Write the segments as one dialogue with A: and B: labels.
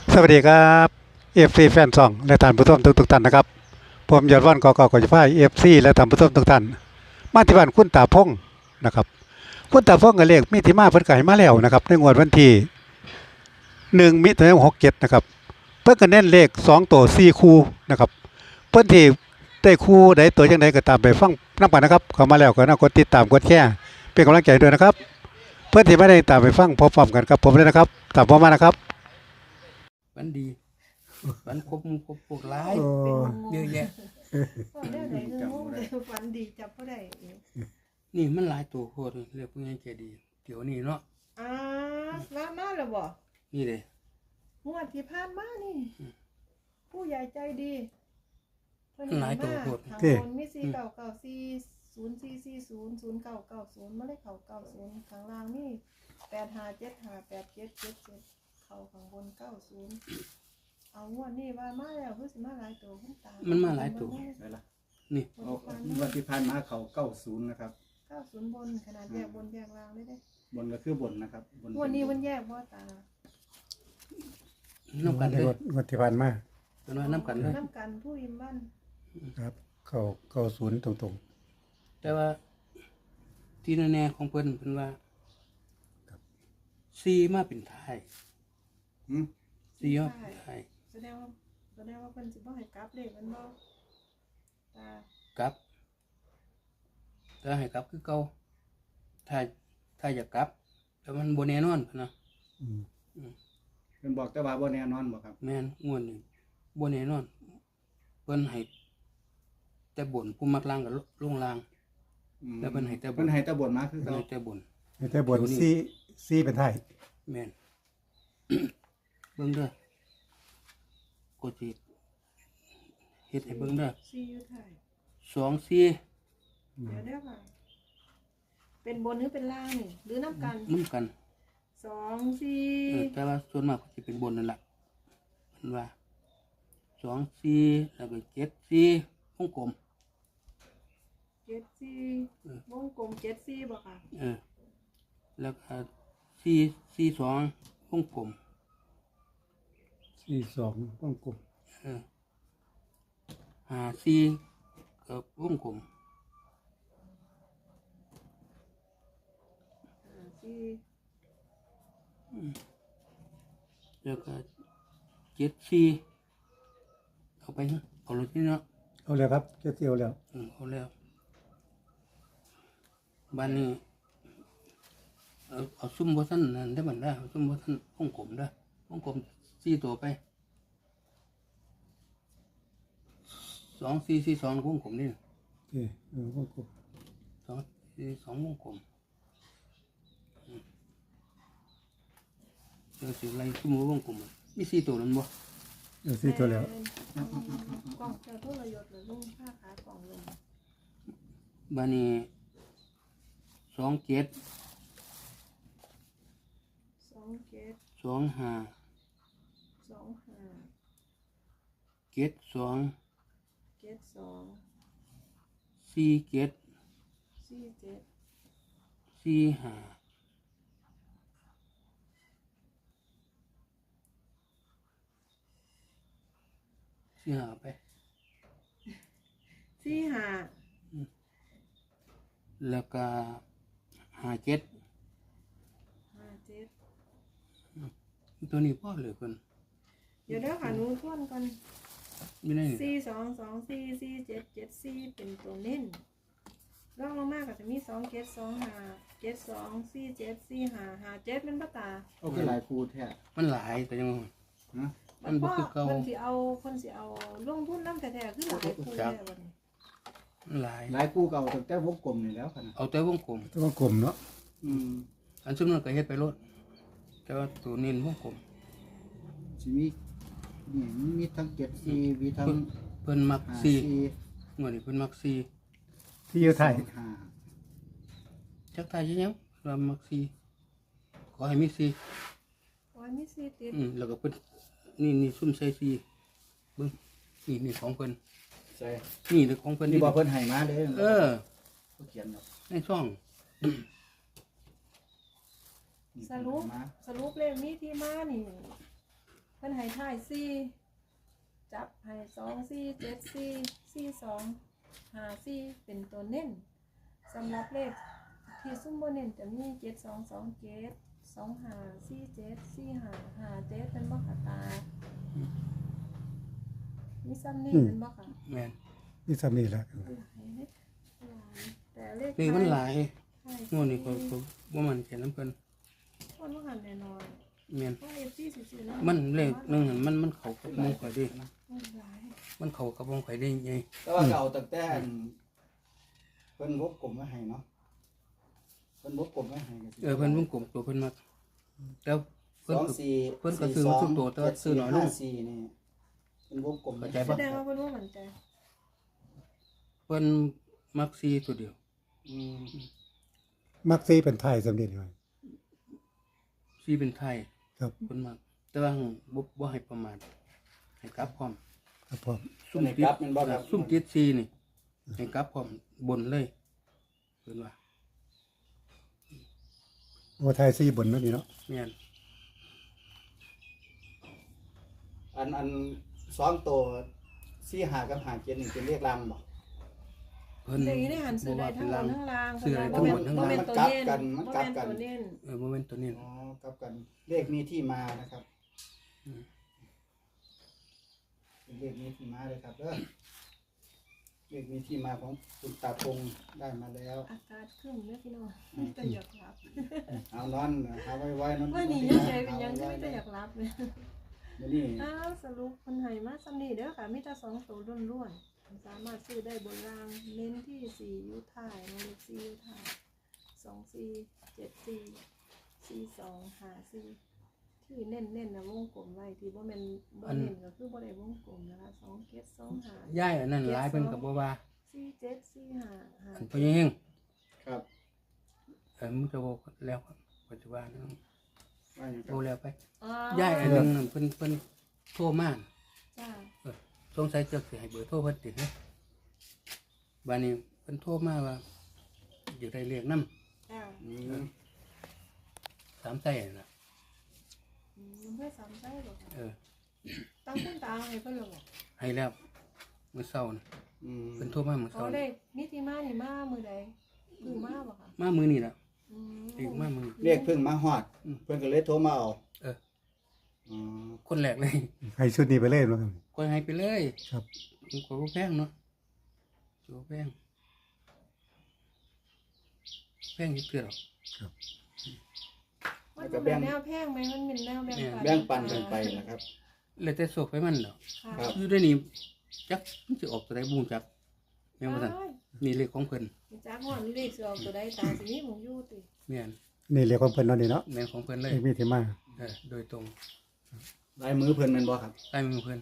A: สวัสดีครับเอฟซีแฟนซองและท่านผู้ชมทุกท่านนะครับผมยอดวันกอกจะพายเอฟซีและท่านผู้ชมทุกท่านมาที่บ้านคุณตาพงนะครับคุณตาพงกับเลขมีที่มาเพิ่นก็ให้มาแล้วนะครับในงวดวันที่1 มิถุนายน 67นะครับเพิ่นก็เน้นเลข2ตัว4คู่นะครับเพิ่นที่ได้คู่ใดตัวจังไดก็ตามไปฟังนำกันนะครับเข้ามาแล้วก็น่ากดติดตามกดแชร์เป็นกำลังใจด้วยนะครับเพื่อนที่ไม่ได้ตามไปฟังพร้อมๆกันครับผมเลยนะครับตามผมมานะครับ
B: ฝันดีฝันครบพวกร้าย
A: โอ้
B: เยอะแยะ
C: ฝันได้ไหนเงินงงเลยฝันดีจับบ่ได้
B: นี่มันหลายตัวโคตรเรียกพวกนี้ใจดีเดี๋ยวนี้เนาะ
C: มาแล้วบ่
B: นี่เลย
C: งวดที่ผ่านมานี่ผู้ใหญ่ใจดีเพิ่น
B: หลายตัวโคตร
C: ทางบนมี4994 0990 0990มาเลยเข้า90ข้างล่างนี่85758777เข้าข้างบน90เอางวดนี้ว่ามาแล้วคือสิมาหลายตัวคุณตา
B: มันมาหลายตัว
D: ได้ละ
B: นี่
D: เอาวันที่ผ่านมาเขา90นะครับ
C: 90บนขนาดแยกบนแยกล่างได้เด้
D: บนก็คือบนนะครับบน
C: งวดนี้มันแยกบ่ตา
B: น้ำกันเลย
A: งวดที่ผ่านมา
B: เป็นว่าน้ำกันเลย
C: น้ำกันผู้อิมบ้าน
A: ครับเข้าศูนย์ตรง
B: แต่ว่าที่แน่ๆของเพิ่นเป็นว่าซีมาเป็นไทย
D: หืม
B: ซีมาเป็นไทย
C: แสดงว่าเพิ่นสิบ่ให้กลับเลขมันบ่ตาก
B: ลับแต่ให้กลับคือเก่าถ้าอยากกลับ แต่มันบ่แน่นอนพุ่นนะ
A: ๆอืม
D: เป็นบอกแต่ว่าบ่แน่นอนบ่ครับ
B: แม่นงวดนี้บ่แน่นอนเพิ่นให้แต่บ่นผู้มักล่างกับลงล่าง
D: อืม
B: แล้วเพิ่นให้แต่บน
D: เพิ่นให้แต่บนมาคือ
B: เพิ่น
D: เขา
B: ให้แต่บ่น
A: แต่บนซีเป็นไทย
B: แม่น เบิ่งเด้อกูสิเฮ็ดให้เบิ่งเด้อ
C: ซีอยู่ไทย
B: 2 4
C: เดี๋ยวเด้อค่ะเป็นบนหรือเป็นล่างนี่หรือน้ำกัน
B: นํกัน
C: 2
B: แต่ว่าส่วนมากก็สิเป็นบนนั่นล่ะเพิ่นว่า2 4แล้วก็7 4วงกลม
C: 4 7 4วงกลม7 4บ่ค่ะ
B: แล้วก็4 2วงกลม
A: 42วงกลม
B: 5 4ก็วงกลม
C: 4
B: แล้วก็7 4เอาไปเอาเลยที่เนาะ
A: เอาแล้วครับเที่ยวแล้ว
B: เอาแล้วบ้านนี้เอาซุ่มบ่ทันนั่นได้บัดได้เอาซุ่มบ่ทันวงกลมได้วงกลม4ตัวไป2 4 4 2วงกลมนี่
A: โอเควงกลม
B: 2 4 2วงกลมเดี๋ยวสิไล่ซุ่มวงกลมมี4ตัวนั้นบ่
A: เอาซีตัวแล้ว
C: กล่องเจ้าทุรยศหรือลุงผ้าขากล่องลง
B: บ้านนี้2 7
C: 2 7
B: 2 5
C: 2 5
B: 7 2
C: 7 2
B: 4 7
C: 4 7
B: 4 5ไป
C: 4 5
B: แล้วก็57
C: 5 7
B: ตัวนี้พ่อเลยคน
C: เดี๋ยวเด้อค่ะหนูทวนก่อน
B: ไม่ได้
C: 4 2 2 4 4 7 7 4เป็นตัวเน้นรองลงมาก็จะมี2 7 2 5 7 2 4 7 4 5 5 7เป็นบ่ตา
D: เอาคือหลายคู่แท้
B: มันหลายแต่ยัง
D: ฮะ
B: มันบ่คือเก่า
C: เพิ่นสิเอาลงทุนนำแท้ๆคือหลายคู่แล้วบัดนี้
B: มันหลาย
D: หลายคู่เก่าตั้งแต่วงกลมนี่แล้วค่ะนะ
B: เอาแต่วงกลม
A: วงกลมเนาะ
D: อืม
B: อันซึ่งมันก็เฮ็ดไปโลดแต่ว่าตัวนี้วงกลม
D: สิมีนี่มีทั้ง74มีทั้ง
B: เพิ่นมัก
D: 54
B: 4งวดนี้เพิ่นมัก4
A: ที่อยู่ไทย
D: 25
B: จักทายยังเรามัก4ขอให้มี4
C: โอ้ยมี4ติด
B: แล้วก็เพิ่นนี่ซุ่มใส่4เบิ่งนี่ของเพิ่น
D: ใช่
B: นี่คือของเพิ่น
D: นี่บ่เพิ่นให้มาเด้
B: เออ
D: เขาเขียนเนาะ
B: ในช่อง
D: นี่
C: สรุป
D: เพิ่นให้มา
C: เลขนี้ที่มานี่เพิ่นให้ท้ายสี่จับให้2 4 7 4 4 2 5 4เป็นตัวเน้นสำหรับเลขที่ซุ่มโบเน้นจะมี7 2 2 7 2 5 4 7 4 5 5 7เป็นบ่ค่ะตามีซ้ำนี่เป็นบ่ค่ะ
B: แม่น
A: นี่ซ้ำนี่แหละ
C: แต่เลข
B: เลขมันหลาย
C: ท้าย
B: งวดนี้ก็บ่มันแค่น้ำเพิ่น
C: มันบ่หันแน่นอน
B: แม่น
C: เพราะ FC สิๆนะ
B: มันเลขหนึงหั่นมันเข้ากับวงข่อยดี
C: มันหลาย
B: มันเข้ากับวงข่อยได้ไง
D: แต่ว่าก็เอาตั้งแต่อันเพิ่นวบกลมไว้ให้เนาะเพิ่นวบกลมไว้ให้ก็สิ
B: เพิ่นวงกลมตัวเพิ่นมักแต่เพิ่น
D: 2 4
B: เพิ่นก็ซื้อมาทุกตัวแต่ว่าซื้อน้อยลง
D: 4นี่เพิ่นวบกลมไว้
B: เข้าใจ
C: แส
B: ปะ
C: ดงว่าเพิ่นบ่มั่นใจ
B: เพิ่นมักซีตัวเดียว
D: อืม
A: มักซีเป็นไทยสำเร็จเลย
B: ซีเป็นไทย
A: ครับ
B: เพิ่นมักแต่ว่าบ่ให้ประมาทให้กลับพร้อม
A: ครับผม
B: ซุ่มติดซุ่มติดซีนี่ให้กลับพร้อมบนเลยเพิ่นว่า
A: โอ้ไทยซีบนเนาะนี่เนาะ
B: แม่น
D: อัน2ตัว4 5กับ5 7นี่เป็นเลขลำบ่
B: เพิ่น
C: แต่อีนี่หันซื้อได้ทั้งบนทั้งล่าง
B: ซื้อได้ทั้งบนทั้งล่าง
C: บ่แม่นตัวเน้น
D: มัน
C: บ่
D: กลั
C: แม่
D: บ
C: น
D: กัน
C: ตัวเน้น
B: บ่แม่นตัวนี้
D: อ๋อกับกันเลขมีที่มานะครับเป็นเลขมีที่มาเลยครับเด้อเลขมีที่มาของคุณตาพงได้มาแล้ว
C: อากาศครึ้มเด้อพี่น้องมีแต่อยากหลับ
D: เอานอนหาไว้นอน
C: ว่านี่ยังใจเป็นหยังคือมีแต่อยากหลับเลย
D: เดี๋ยวนี้
C: อ้าวสรุปเพิ่นให้มาซ้ำนี่เด้อค่ะมีแต่2ตัวล้วนๆสามารถซื้อได้บนล่างเน้นที่4อยู่ท้ายเลข4อยู่ท้าย2 4 7 4 4 2 5 4ที่เน้นๆนะวงกลมไว้ที่บ่แม่นบ่เน้นก็คือบ่ได้วงกลมนะคะ2 7 2 5
B: ย้ายอันนั้นหลายเพิ่นก็บ่ว่า
C: 4 7 4 5
B: อัน
C: 5
B: เพิ่นยัง
D: ครับ
B: มึงจะบอกแล้วปัจจุบัน
D: ว่าอย่าง
B: โทรแล้วไป
C: อ๋อ
B: ย้ายอันนึงนั่นเพิ่นโทรมา
C: จ้า
B: สงสัยจะสิให้เบอร์โทรเพิ่นติดนะบัดนี้เพิ่นโทรมาว่าอยากได้เลขนำ
C: จ้า
B: 3ไส้น่ะ
C: เพื่อสามไส้บ่ค่ะ
B: เออ
C: ตั้งคุณตาให้เพิ่นหรอก
B: ให้แล้วมื้อเช้าน่ะ
D: อืม
B: เพิ่นโทรมามื้อ
C: อ๋อ
B: เช้า
C: ได้
B: นี่
C: มิติมานี่มามื้อใดมื้อมาบ่ค่ะ
B: มามื้อนี้ล่ะ
C: อืม
B: เลขมามื้อนี้
D: เลขเพิ่งมาฮอด เพิ่นก็เลยโทรมาเอา
B: เออ
D: อ๋อ
B: คนแรกเลย
A: ให้ชุดนี้ไปเลยเนาะครับ
B: ก็ให้ไปเลย
A: ครับ
B: ผมก็บ่แพงเนาะบ่แพงแพงนิดเดียว
A: ครับ
C: มันจะเป็นแนวแพงไหมมันเป็นแนวแบ่งปัน
D: แบ่งปันกันไปนะครับ
B: เลยแต่โศกไปมันดอก
C: ค่ะ
D: ครับ
B: อยู่ได้นี่จักมันสิออกตัวใดบูงจักแม่นบ่ซั่น
C: อ้าย
B: นี่เลขของเพิ่น
C: จ้าฮ้อนเลขสิออกตัวใดตาสิมีหมองอยู่ติ
B: แม่น
A: นี่เรียกของเพิ่นเนาะนี่เนาะ
B: แม่นของเพิ่นเลย
A: เลขมีที่มา
B: โดยตรง
D: ลายมือเพิ่นแม่นบ่ครับ
B: ใต้มือเพิ่น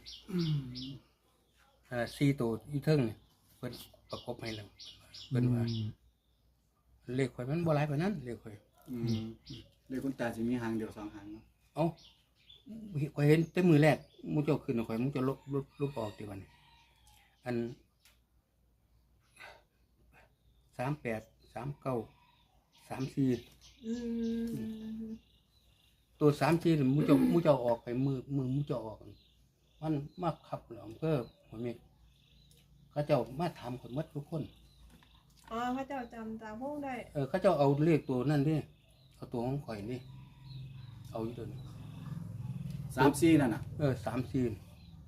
B: 4ตัวอยู่เทิงนี่เพิ่นประกบให้แล้วเพิ่นว่าเลขข่อยมันบ่หลายปานนั้นเลขข่อย
D: อืมเลขคุณตาสิมีหางเดียว2หางเนาะ
B: เอ้าข่อยเห็นแต่มือแรกมูเจ้าขึ้นข่อยมูเจ้าลบออกติวันนี้อัน38 39 34
C: อืม
B: ตัว34นี่มูเจ้าออกไปมือมูเจ้าออกมันมาขับหลอมเพิ่มหัวเมฆเขาเจ้ามาถามคนหมดทุกคน
C: อ๋อพระเจ้าจำตาพงได้
B: เขาเจ้าเอาเลขตัวนั่นดิเอาตัวของข่อยนี่เอาอยู่ตัวนี้
D: 3-4นั่นน่ะ
B: 34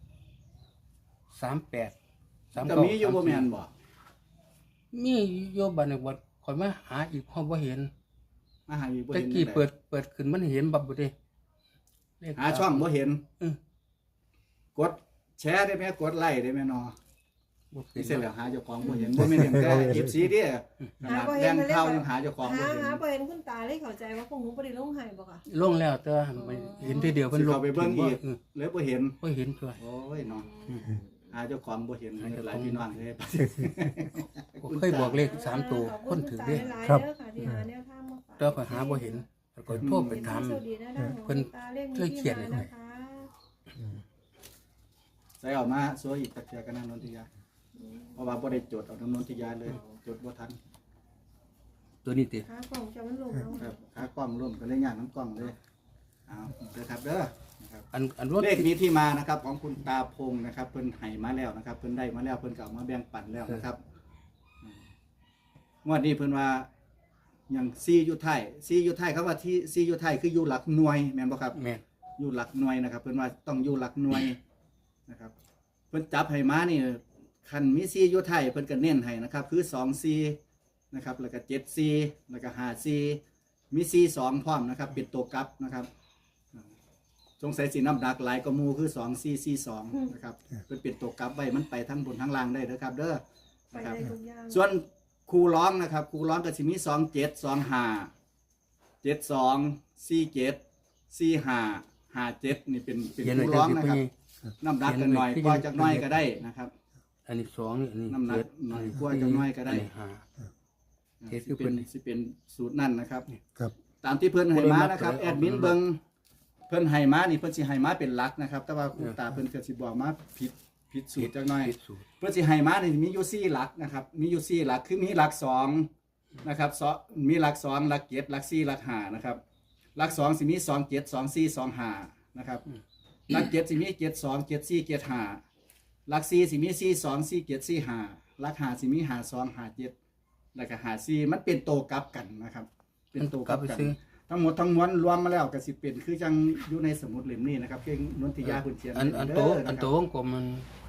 B: 38
D: ก็มีอยู่บ่แม่นบ่
B: มีโยบันในวัดข่อยมาหาอีกห้องบ่เห็น
D: มาหาอยู่บ่
B: ตะ
D: เห็น
B: กี้
D: จังใ
B: เปิดขึ้นมันเห็นบับบ่เด้เลข
D: หาช่องบ่เห็น
B: เออก
D: ดแชร์ได้ไหมกดไลค์ได้ไหมเนาะ
B: บ่เห็
D: นี่
B: น
D: เสร็จแล้วหาเจ้าของบ่เห็นบ่แม่นเห็นแต่คลิปสีเด้ขนาดแบ่งข่าวยังหาเจ้าของบ่
C: หา
D: เห็น
C: หาบ่เห็นคุณตาเลยเข้าใจว่าพวกหนูบ่ได้ลงให้บ่ค่ะ
B: ลงแล้วแต่ว่ามันเห็นทีเดียวเพิ่นล
D: สิ
B: ง
D: เข้าไปเบิ่งอีก
B: เออ
D: เลยบ่เห็น
B: บ่เห็นตัว
D: โอ้ยเนาะหาเจ้าของบ่เห็นหลายพี่น้องเลย
B: เคยบอกเลข3ตัวคนถือเด้
C: ครับที่หาแนวทางมาฝาก
B: แต่ข่อยหาบ่เห็นแล้วก็โทรไปถาม
C: สวัสดีนะ
B: เพิ่นเคยเขียนเลย
C: นะคะ
D: ใส่ออกมาสวยอีกตะเกียกันนั่นนนทิยาเพราะว่าบ่ได้จดเอานนทิยาเลยจดบ่ทัน
B: ตัวนี้ติ
C: หากล่องจะมันลงแล้ว
D: ครับขากล้องร่วมก็เลยย่างน้ำกล้องเลยเอาเด้อครับเด้อนะครับ
B: อันรถ
D: เลขนี้ที่มานะครับของคุณตาพงนะครับเพิ่นให้มาแล้วนะครับเพิ่นได้มาแล้วเพิ่นก็เอามาแบ่งปันแล้วนะครับงวดนี้เพิ่นว่าอย่างซีอยู่ไทยคำว่าที่ซีอยู่ไทยคืออยู่หลักหน่วยแม่นบ่ครับ
B: แม่น
D: อยู่หลักหน่วยนะครับเพิ่นว่าต้องอยู่หลักหน่วยนะครับเพิ่นจับให้มานี่คันมีซีอยู่ไทยเพิ่นก็เน้นให้นะครับคือ2ซีนะครับแล้วก็7ซีแล้วก็5ซีมีซี2พร้อมนะครับเป็นตัวกลับนะครับสงสัยสิน้ำหนักหลายกว่าหมู่คือ2ซีซี2นะครับเพิ่นเป็นตัวกลับไว้มันไปทั้งบนทั้งล่างได้เด้อครับเด้อ
C: ไป
D: นะครับ
C: ได้ทุกอย่าง
D: ส่วนครูร้องนะครับครูร้องก็สิมี27 25 72 47 45 57นี่เป็นครูร้องนะครับน้ำหนักกันหน่อยกว่าจักหน่อยก็ได้นะครับ
B: อันนี้2นี่อันนี้
D: น้ำหนัก
B: 7
D: หน่อยกว่าจักหน่อยก็ได้
B: อันนี้5 เจ็ดคือเพิ่น
D: สิเป็นสูตรนั่นนะครับ
A: ครับ
D: ตามที่เพิ่นให้มานะครับ
B: เพิ่นมัก
D: แอดมินเบิ่งเพิ่นให้มานี่เพิ่นสิให้มาเป็นหลักนะครับ แต่ว่าคุณตาเพิ่นก็สิบอกมาผิดสูตรจักหน่อย
B: ผิดสูตร
D: เพื่อสิให้มานี่มีอยู่4หลักนะครับมีอยู่4หลักคือมีหลัก2นะครับมีหลัก2หลัก7หลัก4หลัก5นะครับหลัก2สิมี2 7 2 4 2 5นะครับหลัก7สิมี7 2 7 4 7 5หลัก4สิมี4 2 4 7 4 5หลัก5สิมี5 2 5 7แล้วก็5 4มันเป็นโตวกลับกันนะครับ เป็นโตวกลับกันทั้งหมดทั้งมวลรวมมาแล้วก็สิเป็นคือจังอยู่ในสมุดเล่มนี้นะครับเก่งนนทิยาคุณเชียน
B: อันโต
D: เด้อ
B: อั
D: นะ
B: น
D: ค
B: โต
D: รับ
B: ของกลมมัน